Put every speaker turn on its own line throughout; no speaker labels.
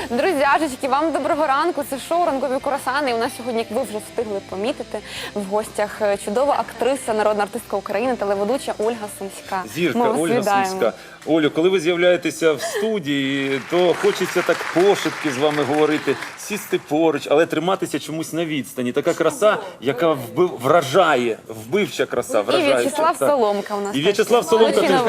Друзяжечки, вам доброго ранку. Це шоу «Ранкові курасани». І у нас сьогодні, як ви вже встигли помітити, в гостях чудова актриса, народна артистка України, телеведуча Ольга Сумська.
Зірка Ольга Сумська. Олю, коли ви з'являєтеся в студії, то хочеться так пошепки з вами говорити, сісти поруч, але триматися чомусь на відстані. Така краса, яка вражає, вбивча краса,
І
вражає.
В'ячеслав Соломка у нас.
І В'ячеслав Соломка теж.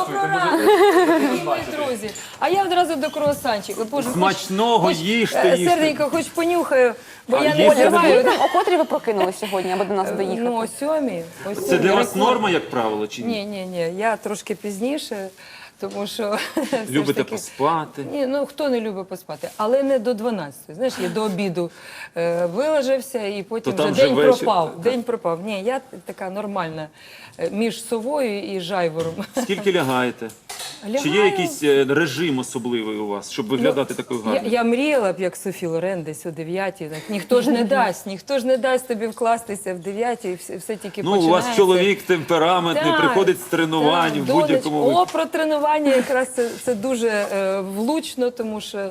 Мої друзі. А я одразу до круасанчика. Боже,
Смачного, їжте, їжте.
серденько, хоч понюхаю, бо я не
їсти
Оля,
тримаю.
скажіть нам, о котрій ви прокинули сьогодні, аби до нас доїхати?
Ну, о 7.
Це для вас норма, як правило, чи ні?
Ні, я трошки пізніше, тому що... все ж
Любите
таки-
поспати?
Ні, ну хто не любить поспати, але не до 12. Знаєш, я до обіду вилежався і потім
То там
вже
вже
день
вечір.
пропав.
Так.
День пропав. Ні, я така нормальна між совою і жайвором.
Скільки лягаєте? Чи є
Лягаю.
якийсь режим особливий у вас, щоб виглядати такою гарною?
Я мріяла б, як Софі Лорен, десь о 9-й. Так, ніхто ж не дасть тобі вкластися в 9-й, все тільки
Ну,
починається.
у вас чоловік темпераментний,
Так,
приходить з тренувань
так,
в будь-якому
донечко.
випадку.
Про тренування якраз це дуже влучно, тому що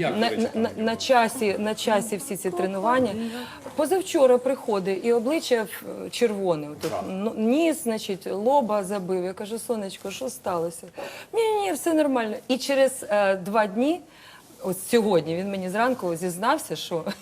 на часі всі ці тренування. Позавчора приходить і обличчя червоне. Отут, ніс, значить, лоба забив. Я кажу, сонечко, що сталося? Ні, все нормально. І через 2 дні, ось сьогодні, він мені зранку зізнався,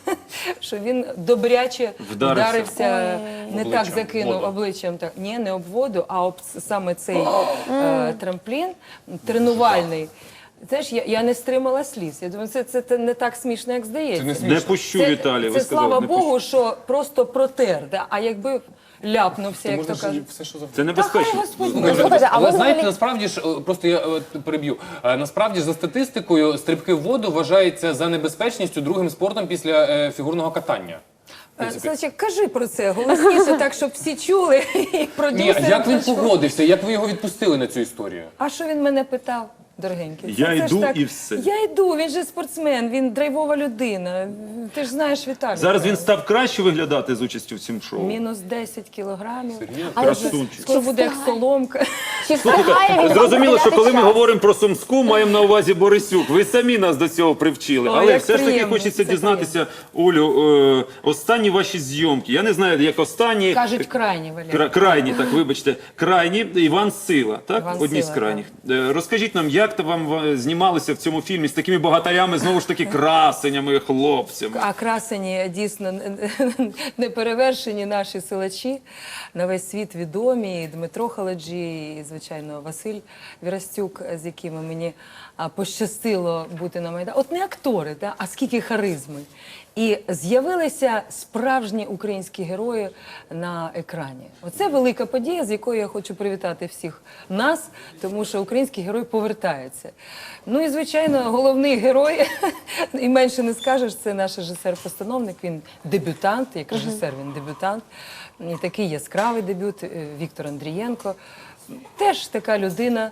що він добряче вдарився, не так закинув обличчям, так, ні, не об воду, а об саме цей трамплін тренувальний. Знаєш, я не стримала сліз. Я думаю, це не так смішно, як здається.
Не пущу, Віталій, ви
Це,
сказали.
слава
не
Богу, що просто протер, да? А якби ляпнувся, як то кажуть.
пущу. Це небезпечно.
Слухайте, а ви
Але знаєте,
взагалі...
насправді ж, просто я переб'ю, насправді ж за статистикою стрибки в воду вважаються за небезпечністю другим спортом після фігурного катання.
Значить, кажи про це голосніше, так, щоб всі чули і
Ні,
продюсери.
а як він
почули.
погодився, як ви його відпустили на цю історію?
А що він мене питав, дорогенький?
Я
Це ж
йду
так.
і все.
Я йду, він же спортсмен, він драйвова людина. Ти ж знаєш, Віталій.
Зараз він став краще виглядати з участю в цьому шоу.
Мінус 10 кілограмів.
Красунчик.
Скоро буде як соломка.
Чи встигає він
Слухайте,
вам
зрозуміло, що коли ми
час?
говоримо про Сумську, маємо на увазі Борисюк. Ви самі нас до цього привчили.
О,
Але
як
все ж таки
приємно,
хочеться
це
дізнатися, Олю, останні ваші зйомки. Я не знаю, як останні.
Кажуть, крайні, Валерій.
Крайні, так, вибачте. Крайні, Іван Сила, так?
Іван
Одні з
Сила,
крайніх. Розкажіть нам, як то вам знімалося в цьому фільмі з такими богатарями, знову ж таки, красенями, хлопцями?
А красені дійсно неперевершені наші силачі, на весь світ відомі, і Дмитро Халаджі, і, звичайно, Василь Вірастюк, з якими мені пощастило бути на Майдані. От не актори, да? А скільки харизми. І з'явилися справжні українські герої на екрані. Оце велика подія, з якою я хочу привітати всіх нас, тому що український герой повертається. Ну і, звичайно, головний герой, і менше не скажеш, це наш режисер-постановник, він дебютант, як режисер він дебютант. І такий яскравий дебют, Віктор Андрієнко. Теж така людина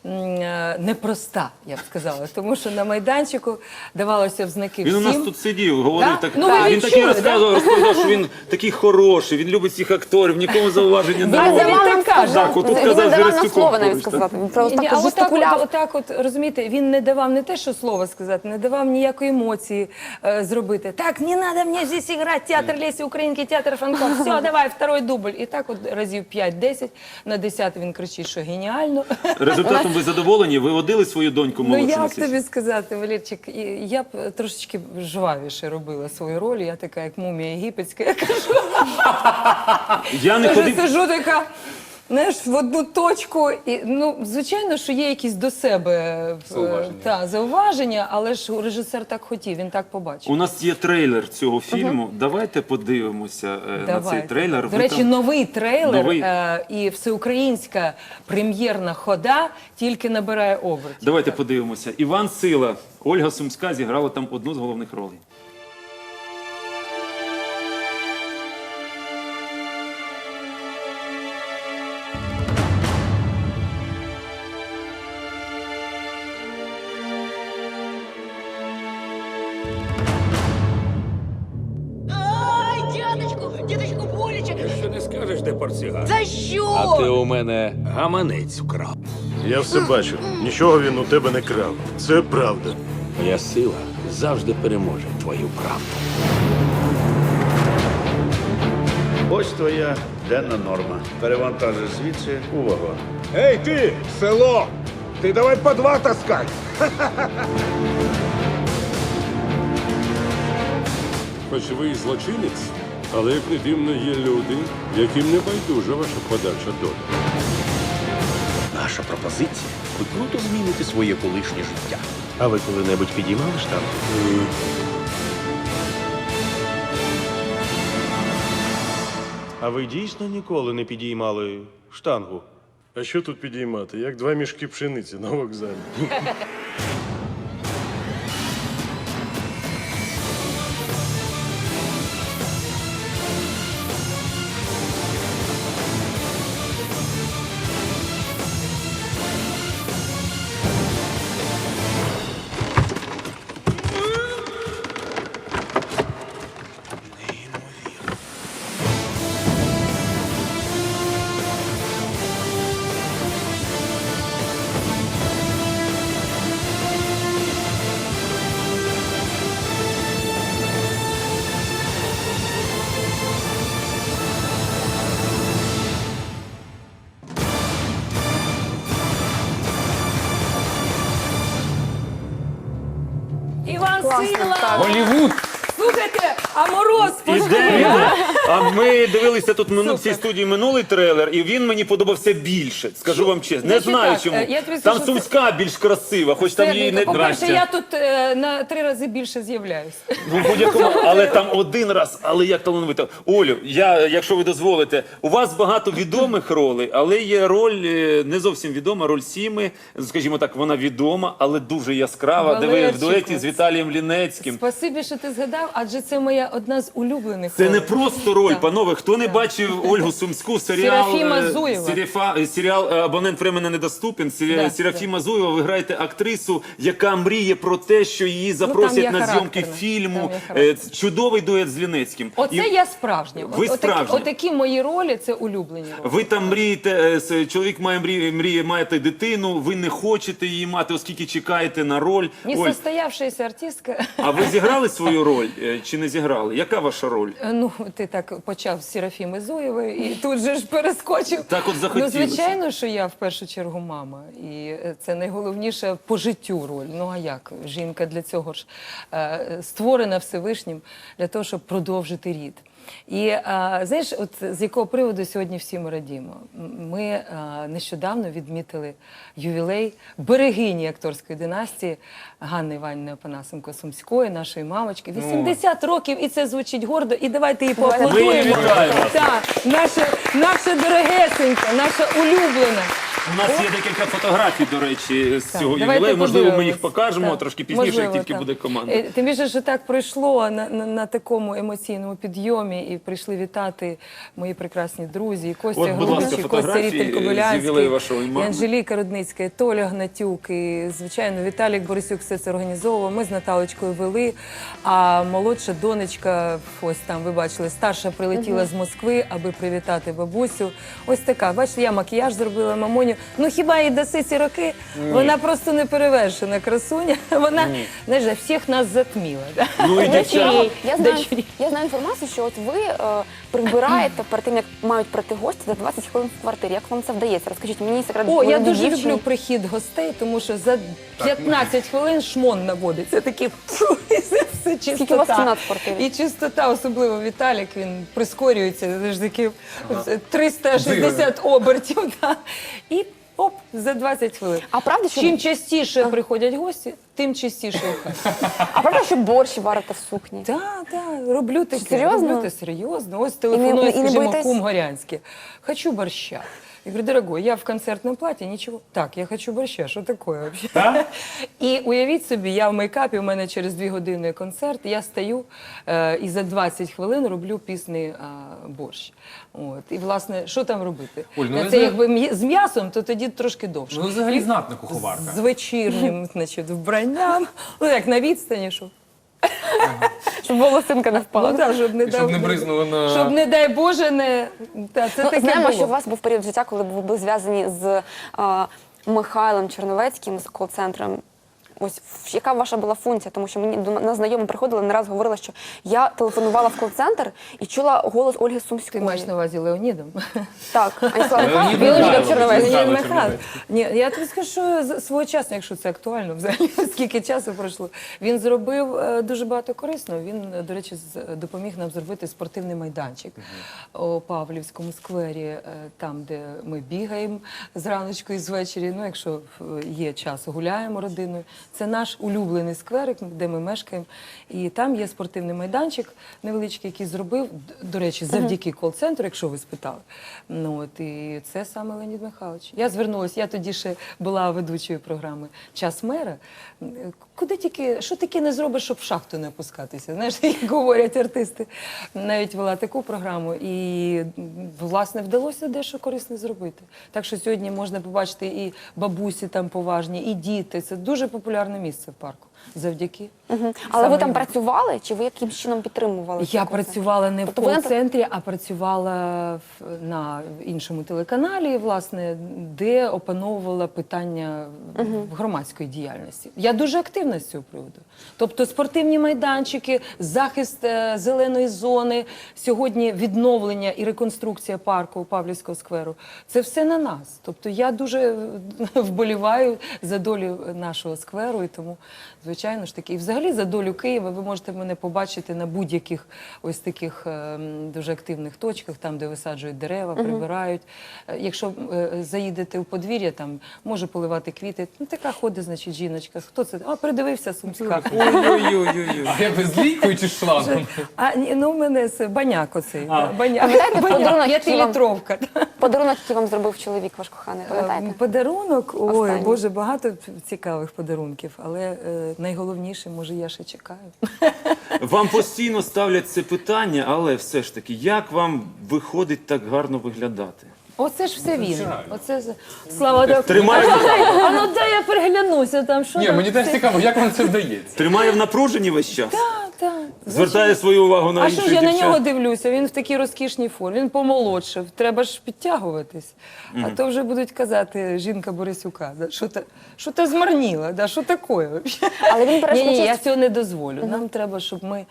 непроста, я б сказала, тому що на майданчику давалося в знаки
Він
всім.
у нас тут сидів, говорив
Так?
так.
Ну, ви
Він такий
відчули,
розповідав, що він такий хороший, він любить всіх акторів, нікому зауваження не
Він
робить.
так
нам
каже.
Так, отут
Він
казав
не
з
давав нам
Вірастюком
слова навіть
поруч, так.
сказати. Він просто
Ні,
так жестикуляв.
отак, розумієте, він не давав не те, що слово сказати, не давав ніякої емоції зробити. Так, не треба мені здесь грати, театр Лесі Українки, театр Франко, все, давай, второй дубль. І так от разів 5-10, на 10 він кричить, що геніально.
Результатом ви задоволені? Ви водили свою доньку
Ну
молодшу?
як тобі сказати, Валерчик, я б трошечки жвавіше робила свою роль, я така, як мумія єгипетська, я кажу,
Я не
Вже
ходив.
сижу така, знаєш, в одну точку. І, ну, звичайно, що є якісь до себе зауваження, але ж режисер так хотів, він так побачив.
У нас є трейлер цього фільму. Давайте подивимося на цей трейлер.
До
Ви
речі,
там-
новий трейлер
Новий.
І всеукраїнська прем'єрна хода тільки набирає обертів.
Давайте подивимося. Іван Сила, Ольга Сумська зіграла там одну з головних ролей.
Ай, дядечку, боляче.
Що не скажеш, де портсигар?
За що?
А ти у мене гаманець вкрав.
Я все бачу. Нічого він у тебе не крав. Це правда.
Моя сила завжди переможе твою правду.
Ось твоя денна норма. Перевантажиш звідси у вагон.
Эй, ты, село! Ты давай по 2 таскай!
Хоч ви і злочинець, але як не дивно, є люди, яким не байдужа ваша подальша доля.
Наша пропозиція. Ви круто зміните своє колишнє життя. А ви коли-небудь підіймали штангу?
А ви дійсно ніколи не підіймали штангу?
А що тут підіймати? Як 2 мішки пшениці на вокзалі.
Іван
Класно,
Сила!
так.
Голівуд!
Слухайте, а Мороз
Іде. А ми дивилися тут в цій студії минулий трейлер, і він мені подобався більше. Скажу вам чесно. Не
Значить
знаю
так,
чому.
я тобі
Там
скажу,
Сумська більш красива, хоч там її не
По-перше, я
Здрастя.
тут на 3 рази більше з'являюсь.
Ну, в будь-якому, але там один раз, але як талановито. Олю, якщо ви дозволите, у вас багато відомих ролей, але є роль не зовсім відома, роль Сіми, скажімо так, вона відома, але дуже яскрава, де ви в
Валерчику,
дуеті з Віталієм Лінецьким.
Спасибі, що ти згадав, адже це моя одна з улюблених
Це не
ролей.
просто роль,
Так.
панове. Хто не бачив Ольгу Сумську, серіал
Серафіма Зуєва.
серіал «Абонент временно недоступен».
Да,
Серафіма Зуєва, ви граєте актрису, яка мріє про те, що її
є
запросять на зйомки
характерна.
фільму.
Там є характерна.
Чудовий дует з Лінецьким.
Оце
І
я справжня.
Ви справжня.
Отакі мої ролі, це улюблені ролі.
ви там мрієте, чоловік мріє мати дитину, ви не хочете її мати, оскільки чекаєте на роль. Оль,
Несостоявшаяся артистка.
а ви зіграли свою роль чи не зіграли? Яка ваша роль?
Ну, ти так почав з Серафіми Зуєвої і тут же ж перескочив.
Так от захотілося.
Ну, звичайно, що я в першу чергу мама. І це найголовніша по життю роль. Ну, а як? Жінка для цього ж створена Всевишнім, для того, щоб продовжити рід. І знаєш, от з якого приводу сьогодні всі ми радіємо? Ми нещодавно відмітили ювілей берегині акторської династії Ганни Іванівни Опанасенко-Сумської, нашої мамочки. 80 років, і це звучить гордо. І давайте її поаплодуємо.
Ми її вітаємо.
Так, наша дорогесенька, наша улюблена.
У нас є декілька фотографій, до речі, з цього
Давайте
ювілею. Можливо, ми
подивимось.
їх покажемо
Так.
трошки пізніше,
Можливо,
як тільки
так.
буде команда.
Тим більше, що так пройшло на такому емоційному підйомі, і прийшли вітати мої прекрасні друзі, і Костя
От, будь ласка,
Грубич, і Костя
фотографії
Рітель
з
Кобилянський,
ювілею вашого
і
мами.
Анжеліка Рудницька, і Толя Гнатюк, і, звичайно, Віталік Борисюк все це організовував. Ми з Наталочкою вели, а молодша донечка, ось там, ви бачили, старша прилетіла з Москви, аби привітати бабусю. Ось така, бачите, я макіяж зробила, мамоню. Ну хіба їй даси ці роки? Вона просто не перевершена красуня. Вона, знаєш, всіх нас затміла. Да?
Ну і дівчата.
Я знаю інформацію, що от ви прибираєте перед тим, як мають прийти гості за 20 хвилин в квартирі. Як вам це вдається? Розкажіть мені секрет.
О, я
молодій
дуже
дівчині.
люблю прихід гостей, тому що за 15 хвилин шмон наводиться. Такі і все чистота.
Скільки у вас кімнат в квартирі?
І чистота, особливо Віталік, він прискорюється, це ж таки 360 обертів. Да. І оп, за 20 хвилин.
А правда, що
Чим частіше приходять гості, тим частіше у хаті.
а правда, що борщ варите в сукні?
Так, так, роблю таке.
Серйозно?
Роблю те серйозно. Ось телефонує,
і не
скажімо,
боїтесь?
кум Горянський. Хочу борща. Я говорю, дорогой, я в концертном платье, ничего. Так, я хочу борща, що таке вообще? І уявіть собі, я в мейкапі, у мене через 2 години концерт, я стою і за 20 хвилин роблю пісний борщ. От. І, власне, що там робити?
Оль, ну,
Це
ви
якби з м'ясом, то тоді трошки довше.
Ну, взагалі знатна куховарка.
З вечірнім, значить, вбранням. Ну, як на відстані, щоб
Щоб волосинка не впала.
ну, так, щоб не
Щоб не бризнуло на...
Щоб, не дай Боже, не... Та, це
Ну,
таке
знаємо,
було.
що у вас був період життя, коли ви були зв'язані з Михайлом Черновецьким, з кол-центром Ось яка ваша була функція? Тому що мені до нас знайома приходила, не раз говорила, що я телефонувала в кол-центр і чула голос Ольги
Ти
Сумської.
маєш на увазі Леонідом?
Так, Аніслава
Леонід
Михайловна,
Михайлович.
Черновець.
Михайло
Леонід Михайлович.
Черновець.
Ні, я тобі скажу, що своєчасно, якщо це актуально взагалі, скільки часу пройшло. Він зробив дуже багато корисного. Він, до речі, допоміг нам зробити спортивний майданчик у Павлівському сквері, там, де ми бігаємо зраночку і звечері. Ну, якщо є час, гуляємо родиною. Це наш улюблений скверик, де ми мешкаємо. І там є спортивний майданчик невеличкий, який зробив, до речі, завдяки кол-центру, якщо ви спитали. Ну, от, і це саме Леонід Михайлович. Я звернулася, я тоді ще була ведучою програми «Час мера». Куди тільки, що таке не зробиш, щоб в шахту не опускатися? Знаєш, як говорять артисти. Навіть вела таку програму. І, власне, вдалося дещо корисне зробити. Так що сьогодні можна побачити і бабусі там поважні, і діти. Це дуже популярне місце в парку. Завдяки.
Але
Саме
ви там
йому.
працювали, чи ви якимсь чином підтримували?
Я
цей кол-центр?
працювала не в
Тобто ви на-
кол-центрі, а працювала на іншому телеканалі, власне, де опановувала питання громадської діяльності. Я дуже активна з цього приводу. Тобто спортивні майданчики, захист зеленої зони, сьогодні відновлення і реконструкція парку Павлівського скверу. Це все на нас. Тобто я дуже вболіваю за долю нашого скверу, і тому, звичайно ж таки, і взагалі за долю Києва ви можете мене побачити на будь-яких ось таких дуже активних точках, там, де висаджують дерева, прибирають. Якщо заїдете у подвір'я, там може поливати квіти. Ну, така ходить, значить, жіночка. Хто це? А, придивився Сумська.
Ой-ой-ой. А ви з лійкою чи з шлангом?
А, ні, ну, у мене баняк оцей. Баняк.
Пам'ятаєте подарунок, який вам-
П'ятилітровка.
Подарунок, який вам зробив чоловік ваш коханий, пам'ятаєте?
Подарунок, ой,
Останній.
Боже, багато цікавих подарунків, але найголовніше, може, я ще чекаю.
Вам постійно ставлять це питання, але все ж таки, як вам виходить так гарно виглядати?
Оце ж все він. Оце Слава так.
Тримає,
А ну дай я переглянуся там, що
Ні,
там
мені теж
все-
цікаво, як вам це вдається?
тримає в напруженні весь час?
Так.
Звертає свою увагу на
А
інших
що ж я на
дівчат?
нього дивлюся? Він в такій розкішній формі, він помолодшив, треба ж підтягуватись. А то вже будуть казати жінка Борисюка, да, що ти змарніла, да, що таке?
Але він бере
Ні, я
участь.
цього не дозволю. Нам треба, щоб ми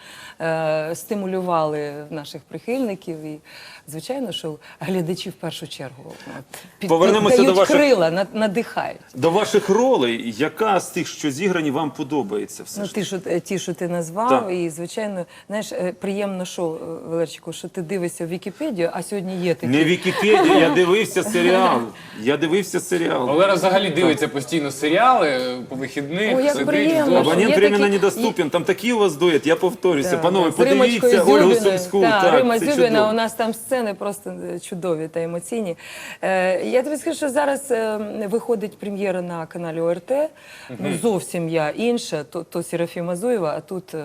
стимулювали наших прихильників і, звичайно, що глядачі в першу чергу
Повернемося
дають
до ваших-
крила, надихають.
До ваших ролей, яка з тих, що зіграні, вам подобається все
Ну,
ж таки?
ті, що ти назвав,
Так.
і, звичайно, знаєш, приємно, що, Валерчику, що ти дивишся в Вікіпедію, а сьогодні є такі.
Не Вікіпедія, я дивився серіал. Я дивився серіал.
Валера взагалі дивиться постійно серіали по вихідних.
Ой, як
сидить
приємно.
вдома.
Абонент
Є
временно
такі-
недоступен. Там такий у вас дует, я повторюся.
Так,
Панове,
з Римочкою
подивіться Ольгу
Зюбіною.
Сумську.
Так, Рима
це
Зюбіна,
чудово.
у нас там сцени просто чудові та емоційні. Я тобі скажу, що зараз виходить прем'єра на каналі ОРТ. Ну, зовсім я інша, то Серафіма Зуєва, а тут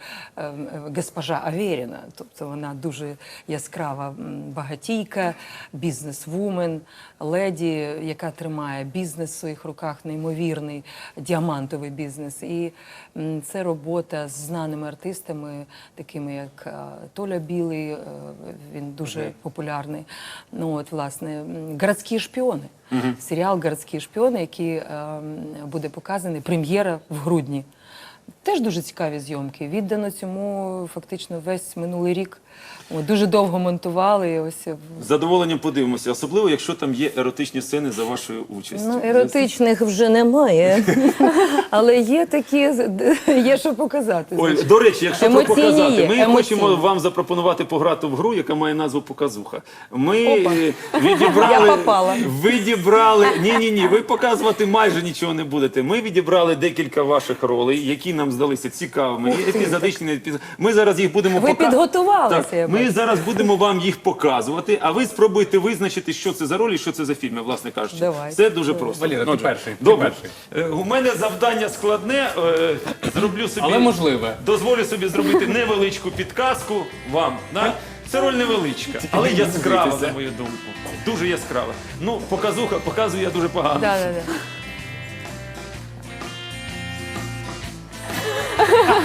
госпожа Аверіна. Тобто вона дуже яскрава багатійка, бізнес-вумен, леді, яка тримає бізнес в своїх руках, неймовірний діамантовий бізнес. І це робота з знаними артистами, такими як Толя Білий, він дуже популярний. Ну, от, власне, «Городські шпіони». Серіал «Городські шпіони», який буде показаний, прем'єра в грудні. Теж дуже цікаві зйомки. Віддано цьому фактично весь минулий рік. От, дуже довго монтували. І ось
З задоволенням подивимося, особливо, якщо там є еротичні сцени за вашою участю.
ну, еротичних вже немає, але є такі, є що показати.
Ой,
звичайно.
до речі, якщо про
Емоційні
показати,
є,
ми
емоційні.
хочемо вам запропонувати пограти в гру, яка має назву «Показуха». Ми
Опа.
відібрали...
Я попала.
Відібрали... Ні, ви показувати майже нічого не будете. Ми відібрали декілька ваших ролей, які нам здалися цікавими, і епізодичні, не епізодичні. Ми зараз їх будемо
Ви підготувалися,
Так,
я
ми
бачу.
зараз будемо вам їх показувати, а ви спробуйте визначити, що це за ролі і що це за фільми, власне кажучи.
Давай.
Це дуже просто.
Валера, ти
Отже,
перший, ти
Добре.
перший.
У мене завдання складне. Зроблю собі...
Але можливе.
Дозволю собі зробити невеличку підказку вам. Да? Це роль невеличка, але яскрава,
дивуйтеся.
на мою думку. Дуже яскрава. Ну, показую я дуже погано.
Да.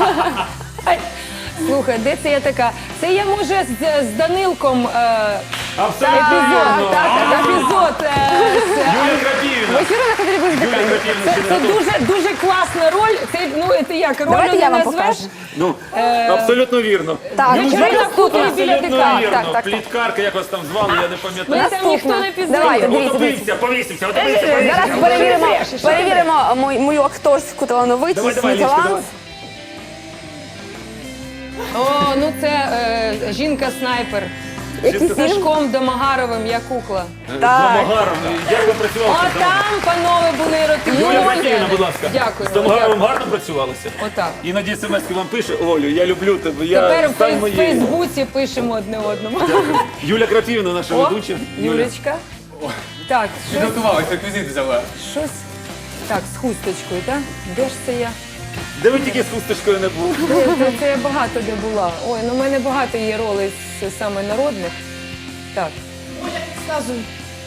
Ай, слухай, де це я така? Це я, може, з Данилком
Абсолютно вірно.
Епізод.
Юлія Крапівіна.
Вечірина потрібно
Юлія
здихати.
Крапівіна, ще не
Це
готова.
дуже класна роль. Ти як роль
Давайте
не
я вам
назвеш?
покажу.
Ну, абсолютно вірно.
Так,
Вечірина в хуторі біля
Абсолютно
ДК.
вірно.
так.
Пліткарка, як вас там звали, я не пам'ятаю.
Мене там ніхто не пізнає.
Давайте, дивіться.
Отопився, повісився, отопився.
Зараз перевіримо мою акторську талановитість.
Давай,
мій
Лічка,
талант.
давай.
О, ну це жінка-снайпер.
Який
З
фільм?
Сашком Домагаровим, я кукла.
З Домагаром. Як ви працювали?
О, там, панове, були еротичні
Юлія
сцени.
Крапівіна, будь ласка.
Дякую.
З Домагаровим гарно працювалося?
Отак.
Іноді смс-ки вам пише: Олю, я люблю тебе, я
Тепер
стань
в
моєю.
Фейсбуці пишемо одне одному.
Юля Крапівна, наша
О,
ведуча.
Юлечка. Так, щось,
Підготувалися, реквізит взяла.
щось. Так, з хусточкою, так? Де ж це я?
Де ви тільки з хусточкою не були?
Це я багато де була. Ой, ну в мене багато є ролей саме народних. Так. Сказуй.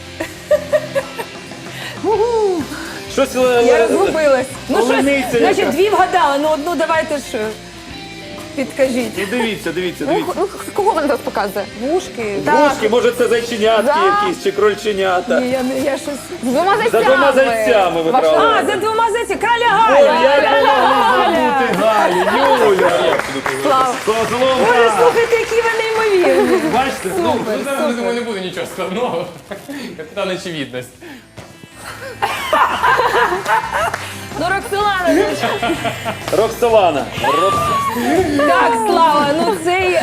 Щось
Я розгубилась. Ну
Олениця
щось, значить,
яка.
дві вгадала, ну одну давайте ж підкажіть.
І дивіться, дивіться,
Ну,
дивіться.
ну, кого вона зараз показує?
Вушки.
Вушки, може це зайченятки
Да.
якісь чи крольченята.
Ні, я щось.
З двома зайцями.
За двома зайцями ви
Ваша-
брали.
А, за двома зайці, краля
Ой,
Галя!
як ви могли забути Галю, Юля.
Слава.
Козлом.
Боже, слухайте, які ви неймовірні.
Бачите?
Ну, зараз, я думаю, не буде нічого складного. Капітан очевидність.
Ну, Роксолана,
Роксолана.
так, Слава, ну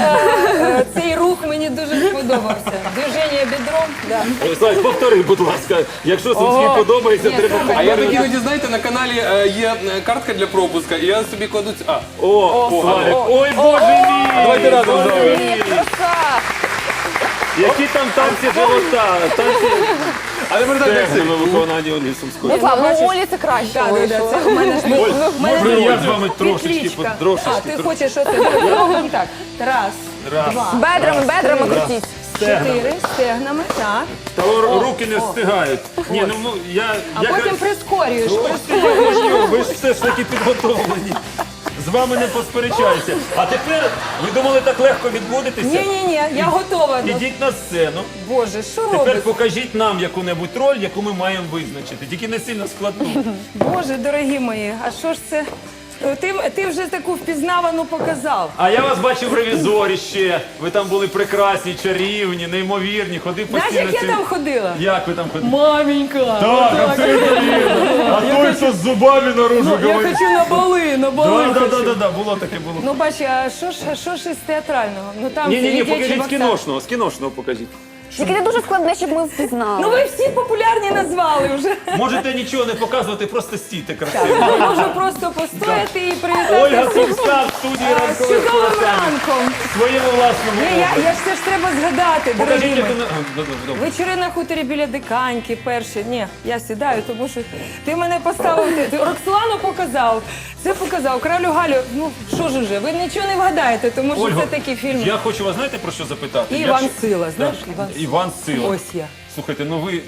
цей рух мені дуже сподобався. Движення бідром. Да.
Ой, Славік, повтори, будь ласка. Якщо Сумський подобається,
Ні,
треба
саме.
А я
повторити.
так іноді, знаєте, на каналі є картка для пропуска, і я собі кладу...
О, Славік. Ой, Боже мій!
Давайте разом
Боже
зробимо.
мій!
Краса.
Які там танці живота, танці
А тепер так, як
стегна на виконанні Олі Сумської.
Ну, Слава, ну Олі це краще
Так,
вийшло.
це у мене ж
Може, я з вами трошечки,
петличка.
трошечки.
А, ти хочеш оце? Робимо так. Раз, два,
Бедрами крутіть.
чотири, стегнами, так.
Та руки не встигають. Ні, ну я...
А потім прискорюєш.
Ви ж все ж таки підготовлені. З вами не посперечаюся. А тепер, ви думали, так легко відбудетеся?
Ні, я готова.
Ідіть на сцену.
Боже, що
Тепер
робиш?
покажіть нам яку-небудь роль, яку ми маємо визначити. Тільки не сильно складну.
Боже, дорогі мої, а що ж це? Ти вже таку впізнавану показав.
А я вас бачив в ревізорі ще. Ви там були прекрасні, чарівні, неймовірні. Ходив
Знаєш,
постійно.
як я там ходила?
Як ви там ходили?
Маменька!
Так, абсолютно вірно. А той, що з зубами наружу
Ну, я
говорить.
хочу на бали хочу.
Да, було таке, було.
Ну, бач, а що ж із театрального? Ну там
Ні,
дитячий
покажіть з
боксер.
кіношного, з кіношного покажіть.
Тільки не дуже складне, щоб ми впізнали.
Ну ви всі популярні назвали вже.
Можете нічого не показувати, просто стійте красиво.
Я можу просто постояти і привітати
Ольга
всіх
Сумська в студії
з
ранкових
чудовим
курасанів.
ранком.
В своєму власному
Ні,
образі.
я ж це ж треба згадати, дорогі
Покажіть, яку...
мої.
Добре.
Вечори на хуторі біля Диканьки перші. Ні, я сідаю, тому що ти мене поставив. Ти Роксолану показав, це показав. Кралю Галю. Ну що ж уже, ви нічого не вгадаєте, тому що
Ольго,
це такий фільм.
Я хочу вас, знаєте, про що запитати?
І
Я
Іван
ж-
Сила, знаєш,
Да.
Іван Сила.
Іван Сила.
Ось я.
Слухайте, ну ви...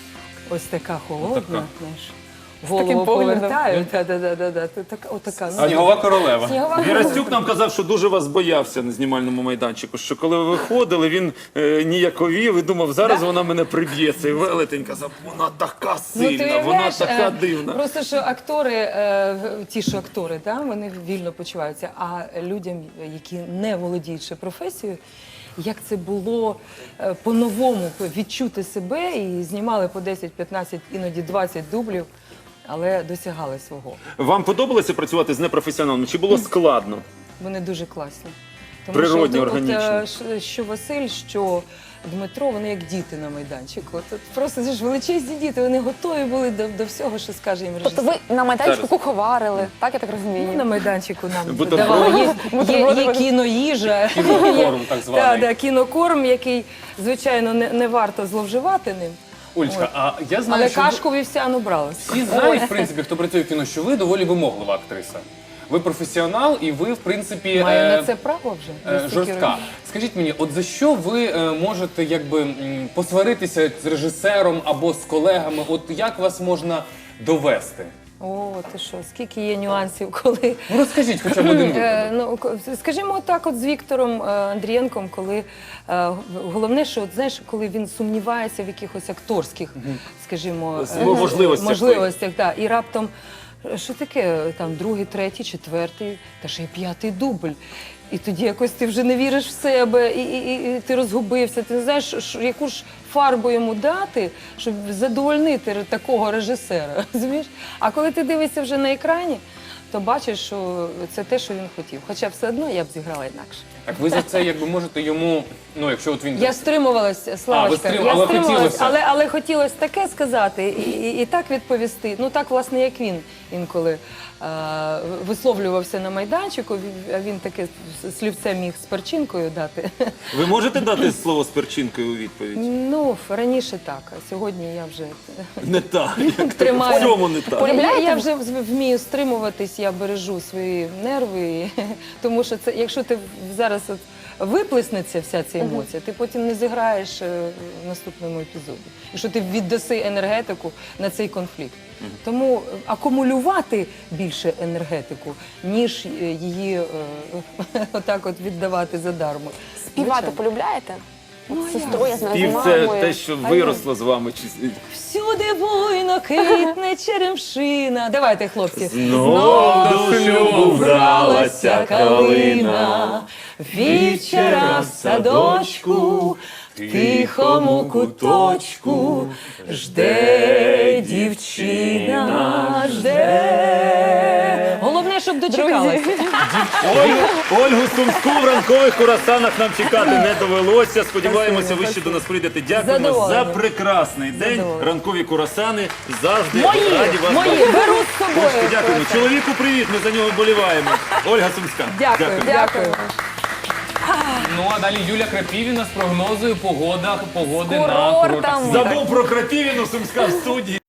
Ось така холодна,
Отака.
знаєш.
таким
Голову
поглядом.
повертаю. Да. Отака. Ну,
Снігова королева.
снігова
Вірастюк нам казав, що дуже вас боявся на знімальному майданчику, що коли ви виходили, він ніяковів і думав, зараз вона мене приб'є. Цей велетень казав, вона така
Ну, ти
сильна, вона
уявляєш,
така дивна.
Просто що актори, ті, що актори, да, вони вільно почуваються, а людям, які не володіють ще професією, як це було по-новому відчути себе і знімали по 10, 15, іноді 20 дублів, але досягали свого.
Вам подобалося працювати з непрофесіоналами? Чи було складно?
Вони дуже класні.
Природні,
що,
органічні.
що Василь, що Дмитро, вони як діти на майданчику. От просто це ж величезні діти, вони готові були до всього, що скаже їм режисер.
Тобто ви на майданчику
Зараз.
куховарили, так я так
Ну,
розумію?
на майданчику нам
Бутерброди.
давали. Є кіноїжа,
Кінокорм, так званий.
Да, кінокорм, який, звичайно, не варто зловживати ним.
Ольчка, а я знаю,
Але
що ви-
кашку вівсяну брали.
всі знають, в принципі, хто працює в кіно, що ви доволі вимоглива актриса. Ви професіонал і ви, в принципі,
Маю на це право вже. за стільки
жорстка.
років.
Скажіть мені, от за що ви можете якби посваритися з режисером або з колегами? От як вас можна довести?
О, ти що, скільки є нюансів, коли
Ну розкажіть хоча б один випадок.
Ну, скажімо так, от з Віктором Андрієнком, коли головне, що от, знаєш, коли він сумнівається в якихось акторських, скажімо, можливостях, да, і раптом що таке, там, другий, третій, четвертий, та ще й п'ятий дубль. І тоді якось ти вже не віриш в себе, і ти розгубився, ти не знаєш, яку ж фарбу йому дати, щоб задовольнити такого режисера, розумієш? А коли ти дивишся вже на екрані, то бачиш, що це те, що він хотів. Хоча все одно я б зіграла інакше.
Так ви за це якби можете йому, ну якщо от він...
Я стримувалася, Славочка,
але хотілося.
але хотілося таке сказати і так відповісти. Ну так, власне, як він інколи висловлювався на майданчику, а він таке слівце міг з перчинкою дати.
Ви можете дати слово з перчинкою у відповідь?
Ну, раніше так, а сьогодні я вже
Не так.
тримаю.
В цьому не так.
Я вже вмію стримуватись, я бережу свої нерви, тому що це, якщо ти зараз от виплеснеться вся ця емоція, ти потім не зіграєш в наступному епізоді. Якщо ти віддаси енергетику на цей конфлікт. Тому акумулювати більше енергетику, ніж її отак от віддавати задармо.
Співати полюбляєте? З сестрою, я знаю, з
Спів – це
мамою.
те, що виросло з вами.
Всюди буйно квітне черемшина. Давайте, хлопці.
Знов до шлюбу вралася калина,
Вівчара в садочку, в тихому куточку, жде дівчина, жде. Головне, щоб дочекалася.
Ольгу Сумську в ранкових курасанах нам чекати не довелося. Сподіваємося, ви ще до нас прийдете. Дякуємо за
Задоволена.
прекрасний день.
Задоволена.
Ранкові курасани завжди
Мої,
раді вас
мої,
бачити.
беру з собою.
Олечко, дякуємо. Чоловіку привіт, ми за нього вболіваємо. Ольга Сумська.
Дякую, дякую.
Ну а далі Юля Крапівіна з прогнозою погоди на
Курортами.
курортах.
Забув про Крапівіну, Сумська в студії.